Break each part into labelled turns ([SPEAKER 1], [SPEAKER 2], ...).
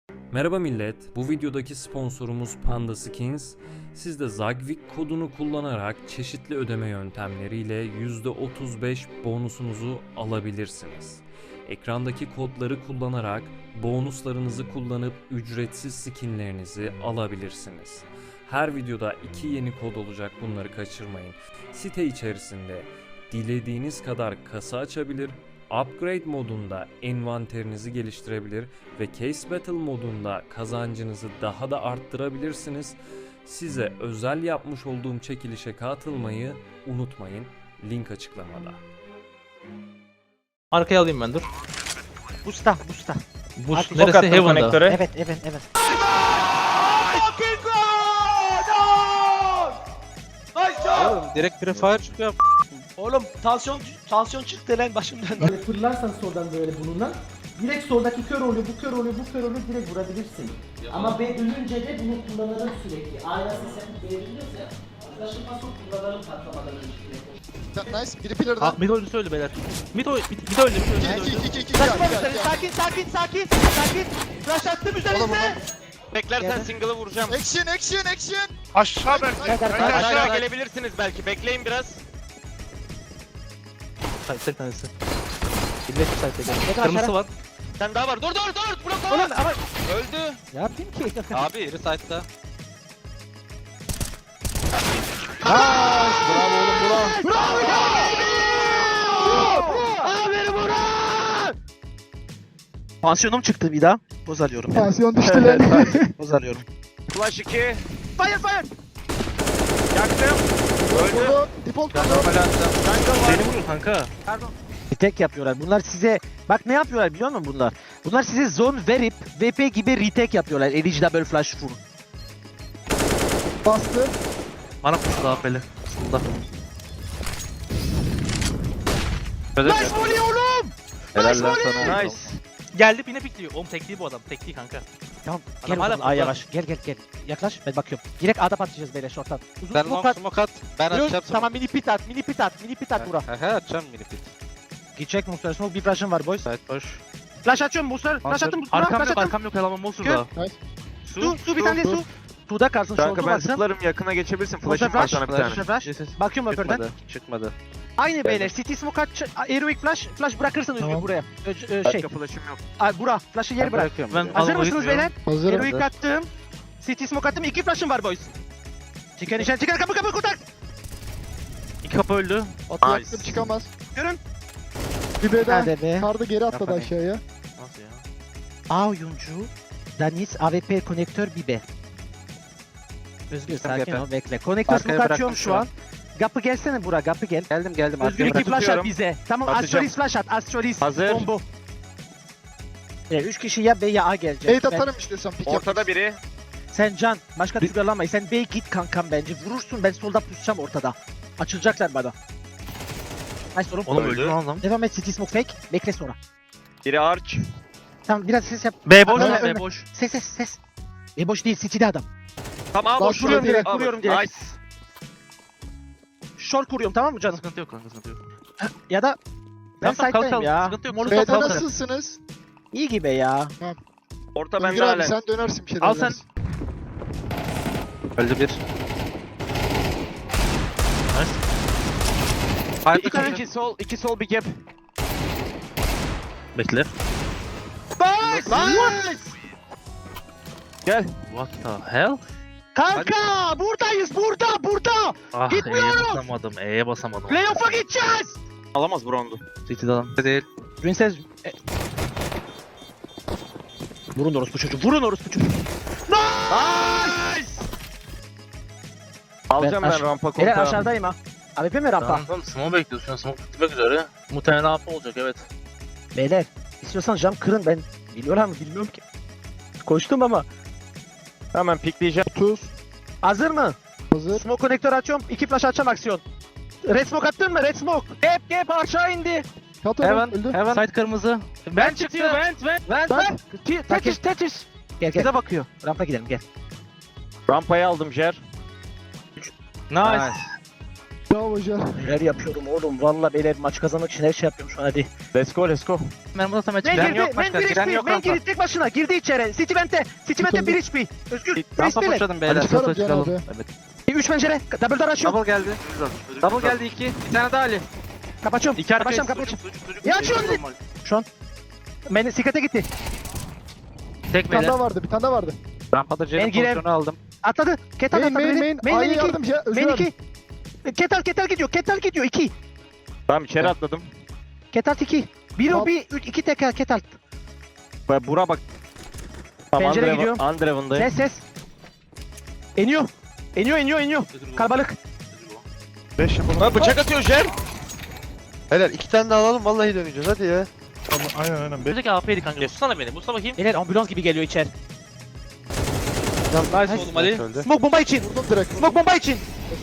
[SPEAKER 1] Merhaba millet, bu videodaki sponsorumuz Panda Skins. Siz de Zagvik kodunu kullanarak çeşitli ödeme yöntemleriyle %35 bonusunuzu alabilirsiniz. Ekrandaki kodları kullanarak bonuslarınızı kullanıp ücretsiz skinlerinizi alabilirsiniz. Her videoda 2 yeni kod olacak, bunları kaçırmayın. Site içerisinde dilediğiniz kadar kasa açabilir, Upgrade modunda envanterinizi geliştirebilir ve Case Battle modunda kazancınızı daha da arttırabilirsiniz. Size özel yapmış olduğum çekilişe katılmayı unutmayın. Link açıklamada.
[SPEAKER 2] Arkaya alayım ben dur.
[SPEAKER 3] Busta.
[SPEAKER 2] Boost
[SPEAKER 3] Hadi.
[SPEAKER 2] neresi? Heaven'da.
[SPEAKER 3] Evet.
[SPEAKER 2] Oğlum direkt prefire çıkıyor.
[SPEAKER 3] Oğlum tansiyon çıktı lan başımdan.
[SPEAKER 4] Böyle fırlarsan soldan böyle bununla direkt soldaki kör oluyor, bu kör oluyor, bu kör oluyor, direkt vurabilirsin. Ama B dönünce de bunu kullanırım sürekli. Aynen ses yapıp B dönüyorsa ya. Taşınma sok kullanırım patlamadan önce sürekli.
[SPEAKER 5] Nice. Biri pillar'da.
[SPEAKER 2] Mid oyuncusu öldü beyler. Mid öldü.
[SPEAKER 5] İki.
[SPEAKER 3] Kaçma mısın? Sakin. Flash attım üzerinize.
[SPEAKER 6] Beklersen single'ı vuracağım.
[SPEAKER 5] Action.
[SPEAKER 6] Aşağı belki.
[SPEAKER 3] Aşağı.
[SPEAKER 6] Aşağı gelebilirsiniz belki. Bekleyin biraz.
[SPEAKER 2] Site tanesi. Billet site geldi.
[SPEAKER 3] Yakın
[SPEAKER 2] Kırmızı
[SPEAKER 3] aşağı.
[SPEAKER 2] var.
[SPEAKER 6] Sen daha var. Dur. Blok
[SPEAKER 3] Oğlum
[SPEAKER 6] var.
[SPEAKER 3] ama
[SPEAKER 6] Öldü.
[SPEAKER 3] ne yapayım ki?
[SPEAKER 6] Abi.
[SPEAKER 2] Biri site'da.
[SPEAKER 7] Pansiyonum çıktı bir daha. Boz alıyorum.
[SPEAKER 5] Tansiyon düştü lan.
[SPEAKER 7] Boz alıyorum.
[SPEAKER 6] Flash 2.
[SPEAKER 3] Fire.
[SPEAKER 6] Yaktım. Öldü.
[SPEAKER 5] Vurdu. Default vurdu.
[SPEAKER 2] Beni vurur kanka.
[SPEAKER 3] Retake yapıyorlar. Bunlar size bak ne yapıyorlar biliyor musun bunlar? Bunlar size zone verip VP gibi retake yapıyorlar. Elici double flash full.
[SPEAKER 5] Bastı.
[SPEAKER 2] Bana pusu daha peli. Solda.
[SPEAKER 3] Flash volley oğlum!
[SPEAKER 2] Helal lan sana.
[SPEAKER 6] Nice.
[SPEAKER 2] Geldi yine pikliyor. Oğlum tekliği bu adam. Tekliği kanka.
[SPEAKER 3] Tamam
[SPEAKER 2] Adam
[SPEAKER 3] gel
[SPEAKER 2] hala
[SPEAKER 3] oğlum, A'ya
[SPEAKER 2] burada.
[SPEAKER 3] yavaş. Gel. Yaklaş ben bakıyorum. Direkt A'da patlayacağız beyler short'tan. Uzun
[SPEAKER 7] Ben
[SPEAKER 3] smoke at.
[SPEAKER 7] smoke at. Ben
[SPEAKER 3] Yok,
[SPEAKER 7] atacağım
[SPEAKER 3] tamam mini pit at bura.
[SPEAKER 7] He atacağım mini pit.
[SPEAKER 3] Gidecek Monster Smoke bir flash'ım var boys.
[SPEAKER 7] Side boş.
[SPEAKER 3] Flash açıyorum Monster. Flash attım.
[SPEAKER 2] Arkam yok eleman Monster'da.
[SPEAKER 3] Su bir tane su. Suda kalsın short'u baksın.
[SPEAKER 6] zıplarım yakına geçebilirsin.
[SPEAKER 3] Monster flash.
[SPEAKER 6] sana
[SPEAKER 3] Monster flash. Bakıyorum öpürden.
[SPEAKER 7] Çıkmadı.
[SPEAKER 3] Aynı beyler. City smoke at. Heroic flash. Flash bırakırsın Özgür buraya. Şey.
[SPEAKER 6] flash'ım yok.
[SPEAKER 3] Bura. Flash'ı yeri bırak.
[SPEAKER 7] Bırakıyorum.
[SPEAKER 2] Ben-
[SPEAKER 3] Hazır
[SPEAKER 2] Alaba
[SPEAKER 3] mısınız
[SPEAKER 2] gitmiyorum.
[SPEAKER 3] beyler?
[SPEAKER 5] Hazırım.
[SPEAKER 3] Heroic attım. City smoke attım. 2 flash'ım var boys. Çıkın kapı kontak.
[SPEAKER 2] İki kapı öldü.
[SPEAKER 5] Atı yaktım çıkamaz.
[SPEAKER 3] Görün.
[SPEAKER 5] Bir B'den
[SPEAKER 3] Hadi be.
[SPEAKER 5] sardı geri atladı
[SPEAKER 3] Yapma be.
[SPEAKER 5] aşağıya.
[SPEAKER 2] Nasıl ya?
[SPEAKER 3] A oyuncu. Daniz AWP konektör Bibe. Özgür sakin ol bekle. Konektör
[SPEAKER 7] Arkaya
[SPEAKER 3] smoke atıyorum
[SPEAKER 7] bıraktım
[SPEAKER 3] şu
[SPEAKER 7] şu
[SPEAKER 3] an. Gapı gelsene bura. Gapı gel.
[SPEAKER 7] Geldim.
[SPEAKER 3] Özgür
[SPEAKER 7] Arkaya
[SPEAKER 3] iki flash at
[SPEAKER 6] tutuyorum.
[SPEAKER 3] bize. Tamam
[SPEAKER 6] Atacağım.
[SPEAKER 3] Astrolis flash at. Astrolis.
[SPEAKER 6] Hazır.
[SPEAKER 3] Bombo. 3 kişi ya B ya A gelecek.
[SPEAKER 5] Bait
[SPEAKER 3] Ben-
[SPEAKER 5] atarım istiyorsan pick
[SPEAKER 6] Ortada biri.
[SPEAKER 3] Sen Can başka türlü alamayız. Sen B'ye git kankam bence. Vurursun ben solda pusacağım ortada. Açılacaklar bana. Nice oğlum.
[SPEAKER 2] Oğlum öldü lan adam.
[SPEAKER 3] Devam et City smoke fake. Bekle sonra.
[SPEAKER 6] Biri arch.
[SPEAKER 3] Tamam biraz ses yap.
[SPEAKER 2] B boş
[SPEAKER 3] Ölme,
[SPEAKER 2] lan B
[SPEAKER 3] ölme.
[SPEAKER 2] boş.
[SPEAKER 3] Ses. Boş değil City'de adam.
[SPEAKER 6] Tamam
[SPEAKER 5] Bas,
[SPEAKER 6] boş.
[SPEAKER 5] vuruyorum direkt,
[SPEAKER 3] vuruyorum direkt.
[SPEAKER 6] Nice.
[SPEAKER 3] Short kuruyorum tamam mı canım?
[SPEAKER 2] Sıkıntı yok kanka sıkıntı yok.
[SPEAKER 3] Ya da ben
[SPEAKER 2] Tamam, kalk,
[SPEAKER 3] side'dayım
[SPEAKER 2] kalk.
[SPEAKER 3] ya.
[SPEAKER 2] Sıkıntı yok,
[SPEAKER 3] Molotov
[SPEAKER 2] sıkıntı
[SPEAKER 5] B'de
[SPEAKER 2] yok.
[SPEAKER 3] kalk.
[SPEAKER 5] nasılsınız?
[SPEAKER 3] İyi gibi ya.
[SPEAKER 6] Orta bende
[SPEAKER 5] Özgür abi
[SPEAKER 6] halen.
[SPEAKER 5] sen dönersin bir şeyler.
[SPEAKER 2] Al sen.
[SPEAKER 5] dersin.
[SPEAKER 7] Öldü bir.
[SPEAKER 2] Hayır,
[SPEAKER 6] İki sol, iki sol bir gap.
[SPEAKER 2] Bekle.
[SPEAKER 3] Nice!
[SPEAKER 6] Gel.
[SPEAKER 2] What the hell?
[SPEAKER 3] Kanka buradayız burada.
[SPEAKER 2] Ah
[SPEAKER 3] Gitmiyoruz.
[SPEAKER 2] E'ye basamadım.
[SPEAKER 3] Playoff'a gideceğiz.
[SPEAKER 6] Alamaz brondu.
[SPEAKER 2] City'de adam.
[SPEAKER 7] Değil.
[SPEAKER 3] Princess... Vurun orospu çocuğu.
[SPEAKER 6] Alacağım
[SPEAKER 3] Ben
[SPEAKER 6] ben,
[SPEAKER 3] aş-
[SPEAKER 6] rampa
[SPEAKER 3] Beyler
[SPEAKER 6] kontağı.
[SPEAKER 3] aşağıdayım ha. AWP mi rampa?
[SPEAKER 2] Tamam smoke bekliyoruz şu an smoke bitmek üzere. Muhtemelen AP olacak evet.
[SPEAKER 3] Beyler istiyorsan cam kırın ben. Biliyorlar mı bilmiyorum ki. Koştum ama.
[SPEAKER 6] Hemen pikleyeceğim.
[SPEAKER 5] 30.
[SPEAKER 3] Hazır mı?
[SPEAKER 5] Hazır.
[SPEAKER 3] Smoke konektör açıyorum. 2 flash açacağım aksiyon. Red smoke attın mı? Red smoke. Gap aşağı indi.
[SPEAKER 5] Katıyorum. Öldü.
[SPEAKER 2] Side kırmızı.
[SPEAKER 3] Ben çıktı. Vent. Tetis. Gel.
[SPEAKER 2] Bize bakıyor.
[SPEAKER 3] Rampa gidelim gel.
[SPEAKER 6] Rampayı aldım Jer.
[SPEAKER 2] Nice.
[SPEAKER 5] Bravo Can.
[SPEAKER 3] Neler yapıyorum oğlum. Valla beyler maç kazanmak için her şey yapıyorum şu an hadi.
[SPEAKER 6] Let's go, let's go.
[SPEAKER 7] Ben burada tam
[SPEAKER 3] Men
[SPEAKER 7] açık.
[SPEAKER 3] girdi. Men 1 HP. Men girdi tek başına. Girdi içeri. City vente. City vente 1 HP. Özgür.
[SPEAKER 7] Rampa
[SPEAKER 3] Freeze beyler.
[SPEAKER 7] pushladım beyler.
[SPEAKER 5] Hadi çıkalım
[SPEAKER 7] Hızlı
[SPEAKER 5] Can
[SPEAKER 7] çıkalım.
[SPEAKER 5] abi.
[SPEAKER 7] Evet.
[SPEAKER 3] 3 pencere. Double door açıyorum.
[SPEAKER 7] Double geldi. Double geldi 2. Bir tane daha Ali.
[SPEAKER 3] Kapatıyorum.
[SPEAKER 7] İki arkaya
[SPEAKER 3] Kapatıyorum kapatıyorum. Ya açıyorum. Men sikate gitti.
[SPEAKER 7] Tek
[SPEAKER 5] Bir tane
[SPEAKER 7] beyler.
[SPEAKER 5] daha vardı, bir tane daha vardı.
[SPEAKER 7] Rampada C'nin
[SPEAKER 3] Ben girerim.
[SPEAKER 7] pozisyonu aldım.
[SPEAKER 3] Atladı. Ketal
[SPEAKER 5] Main,
[SPEAKER 3] atladı.
[SPEAKER 5] main, main.
[SPEAKER 3] Main
[SPEAKER 5] A'ya
[SPEAKER 3] 2.
[SPEAKER 5] yardım ya. Özgür
[SPEAKER 3] Main
[SPEAKER 5] abi.
[SPEAKER 3] 2. Ketal gidiyor. Ketal gidiyor 2.
[SPEAKER 6] Tamam içeri atladım.
[SPEAKER 3] Ketal 2. 1
[SPEAKER 5] Tamam.
[SPEAKER 3] o 1 2 teker Ketal.
[SPEAKER 6] Bura bak. Tamam,
[SPEAKER 3] Pencere gidiyorum.
[SPEAKER 6] Andreven'dayım.
[SPEAKER 3] Ses. İniyor. İniyor. Kalabalık.
[SPEAKER 5] 5 yapalım.
[SPEAKER 8] Ha bıçak atıyor Jen. Helal 2 tane daha alalım vallahi döneceğiz hadi ya.
[SPEAKER 5] Aynen.
[SPEAKER 2] Buradaki AP'ydi kanka. Tutsana beni. Busla bakayım.
[SPEAKER 3] Beyler ambulans gibi geliyor içeri.
[SPEAKER 2] Nice oğlum Ali.
[SPEAKER 8] Öldü.
[SPEAKER 3] Smoke bomba için.
[SPEAKER 5] Vurdum direkt.
[SPEAKER 3] Smoke bomba için.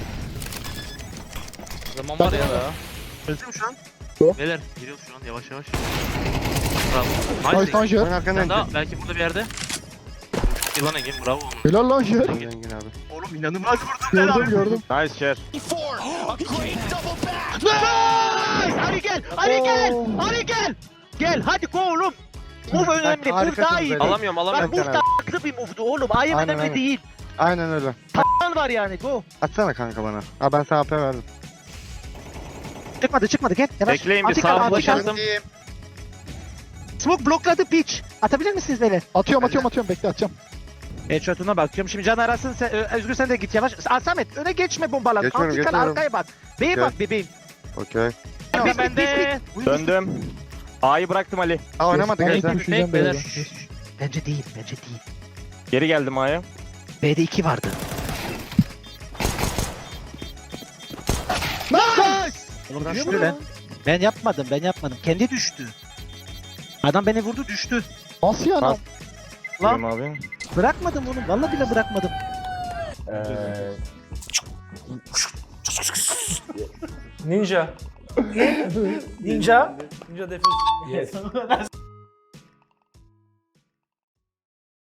[SPEAKER 2] Zaman var ya da.
[SPEAKER 8] Öldüm şu an.
[SPEAKER 2] Beyler giriyoruz şu an yavaş yavaş. Bravo.
[SPEAKER 5] Nice
[SPEAKER 2] Nice.
[SPEAKER 5] lan Jet.
[SPEAKER 8] Ben arkandan
[SPEAKER 2] Sen daha belki burada bir yerde. Yılan Engin bravo.
[SPEAKER 5] Helal lan Jet.
[SPEAKER 8] Engin abi.
[SPEAKER 7] Oğlum inanılmaz vurdum.
[SPEAKER 5] Gördüm.
[SPEAKER 6] Nice share.
[SPEAKER 3] Nice! Ali gel. Ali gel. Gel hadi go oğlum. Move önemli. Move daha iyi.
[SPEAKER 8] Alamıyorum
[SPEAKER 3] Bak move da a**lı bir move'du oğlum. Ayım
[SPEAKER 8] Aynen,
[SPEAKER 3] önemli
[SPEAKER 8] aynen.
[SPEAKER 3] değil.
[SPEAKER 8] Aynen öyle.
[SPEAKER 3] Lan var yani go.
[SPEAKER 8] Atsana kanka bana. Ha ben sana AP verdim.
[SPEAKER 3] Çıkmadı gel. Yavaş.
[SPEAKER 6] Bekleyin bir
[SPEAKER 3] Antika,
[SPEAKER 6] sağ
[SPEAKER 3] antika.
[SPEAKER 6] flash attım.
[SPEAKER 3] Smoke blokladı pitch. Atabilir misiniz beyler?
[SPEAKER 5] Atıyorum. Bekle atacağım.
[SPEAKER 3] Headshot'una bakıyorum. Şimdi can arasın. Özgür sen de git yavaş. Samet öne geçme bombalar.
[SPEAKER 8] Geçmiyorum,
[SPEAKER 3] Antikal
[SPEAKER 8] geçmiyorum.
[SPEAKER 3] arkaya bak. Beye
[SPEAKER 8] Okey.
[SPEAKER 3] bak bebeğim.
[SPEAKER 8] Okey.
[SPEAKER 3] Ben de.
[SPEAKER 6] Döndüm. A'yı bıraktım Ali.
[SPEAKER 8] Ha oynamadık
[SPEAKER 5] Ben
[SPEAKER 8] ya
[SPEAKER 5] ilk
[SPEAKER 8] sen.
[SPEAKER 5] düşeceğim
[SPEAKER 2] beyler.
[SPEAKER 5] böyle.
[SPEAKER 3] Bence değil.
[SPEAKER 6] Geri geldim A'ya.
[SPEAKER 3] B'de 2 vardı.
[SPEAKER 5] Nice!
[SPEAKER 3] Oğlum düştü lan. Ben yapmadım. Kendi düştü. Adam beni vurdu düştü.
[SPEAKER 5] Nasıl yani?
[SPEAKER 6] Bas.
[SPEAKER 3] Lan.
[SPEAKER 6] Lan. Abi.
[SPEAKER 3] Bırakmadım onu. Vallahi bile bırakmadım.
[SPEAKER 9] Ninja. Ninja. Ninja defuse. Yes.